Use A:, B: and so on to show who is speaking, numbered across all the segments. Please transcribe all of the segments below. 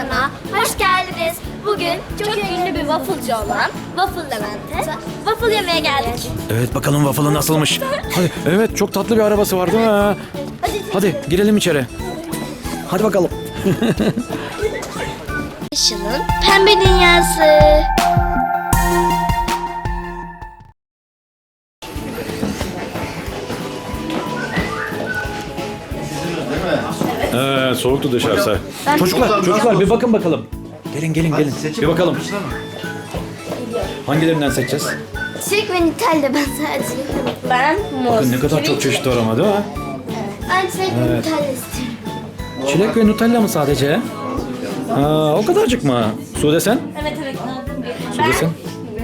A: kanalına hoş geldiniz. Bugün çok ünlü bir wafflecı olan Waffle Levent'e waffle yemeye geldik.
B: Evet, bakalım waffle'ı nasılmış. Hadi, evet, çok tatlı bir arabası var değil mi? Hadi girelim içeri. Hadi bakalım.
A: Işıl'ın pembe dünyası.
B: Soğuktu dışarısı. Çocuklar bir bakın bakalım. Gelin. Bir bakalım. Hangilerinden seçeceğiz?
A: Çilek ve Nutella ben sadece. Ben muz.
B: Bakın ne kadar çok çeşit var ama değil mi?
A: Ben çilek ve Nutella istiyorum.
B: Çilek ve Nutella mı sadece? O kadarcık mı? Sude sen?
A: Evet.
B: Sude sen?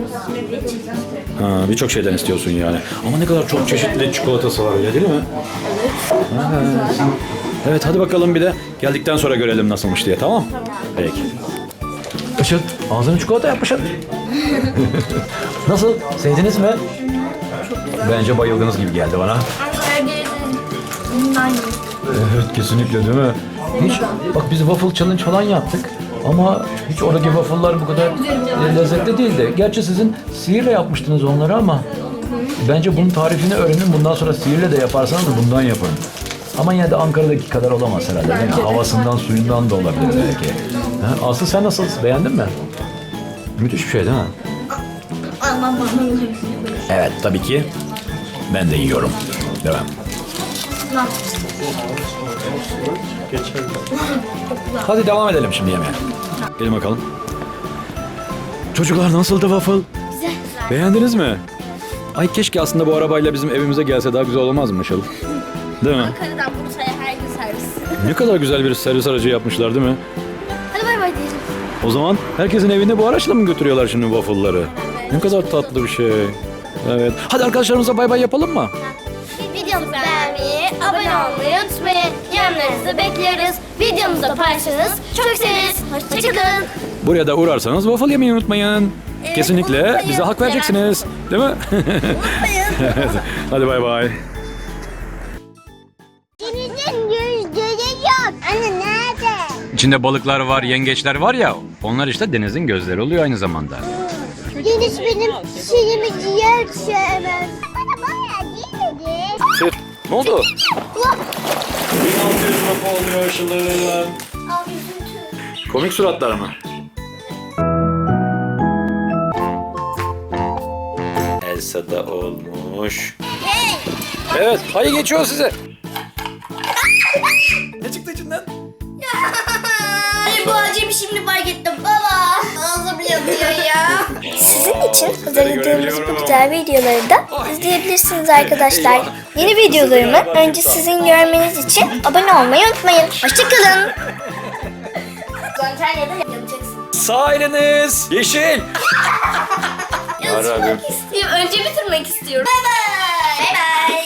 B: Birçok şeyden istiyorsun yani. Ama ne kadar çok çeşitli çikolatası var öyle değil mi? Evet. Evet, hadi bakalım bir de geldikten sonra görelim nasılmış diye, tamam? Peki. Işıl, ağzını çikolata yap Işıl. Nasıl? Sevdiniz mi? Bence bayıldınız gibi geldi bana. Evet, kesinlikle değil mi? Hiç, bak biz waffle challenge falan yaptık. Ama hiç oradaki waffle'lar bu kadar lezzetli değildi. Gerçi sizin sihirle yapmıştınız onları ama bence bunun tarifini öğrenin. Bundan sonra sihirle de yaparsanız da bundan yapın. Ama yine de Ankara'daki kadar olamaz herhalde. Değil mi? Havasından, suyundan da olabilir belki. Aslı sen nasıl? Beğendin mi? Müthiş bir şey değil mi? Evet, tabii ki. Ben de yiyorum. Devam. Hadi devam edelim şimdi yemeğe. Gelin bakalım. Çocuklar nasıldı waffle?
A: Güzel.
B: Beğendiniz mi? Ay keşke aslında bu arabayla bizim evimize gelse daha güzel olmaz mı Işıl? Değil mi?
A: Ankara'dan Bursa'ya her gün servis.
B: Ne kadar güzel bir servis aracı yapmışlar değil mi?
A: Hadi bay bay diyelim.
B: O zaman herkesin evine bu araçla mı götürüyorlar şimdi waffle'ları? Ne kadar tatlı bir şey. Evet. Hadi arkadaşlarımıza bay bay yapalım mı?
A: Videomuzu beğenmeyi, abone olmayı unutmayın. Yorumlarınızı bekliyoruz. Videomuzu da paylaşırsanız çok seviniriz. Hoşçakalın.
B: Buraya da uğrarsanız waffle yemeyi unutmayın. Kesinlikle
A: unutmayın.
B: bize hak vereceksiniz. Değil mi?
A: Unutmayın.
B: Evet. Hadi bay bay.
A: Denizin gözleri yok. Anne nerede?
B: İçinde balıklar var, yengeçler var ya. Onlar işte denizin gözleri oluyor aynı zamanda.
A: Deniz benim şeyimi ciğer sevmez. Bana bayağı değil mi?
B: Ne oldu? 1600 lira oluyor Işıl'ın. Komik suratlar mı? Elsa da olmuş. Evet, hayır geçiyor size. Ne çıktı içinden?
A: Ay bu acemi şimdi fark ettim baba. Ağzım yanıyor ya. Sizin için hazırladığımız bu güzel videoları da izleyebilirsiniz arkadaşlar. Yeni videolarımı önce sizin görmeniz için abone olmayı unutmayın. Hoşçakalın. Antalya'da yapacaksın.
B: Sağ eliniz yeşil.
A: Yazmak istiyorum. Önce bitirmek istiyorum. Bay bay. Bay bay.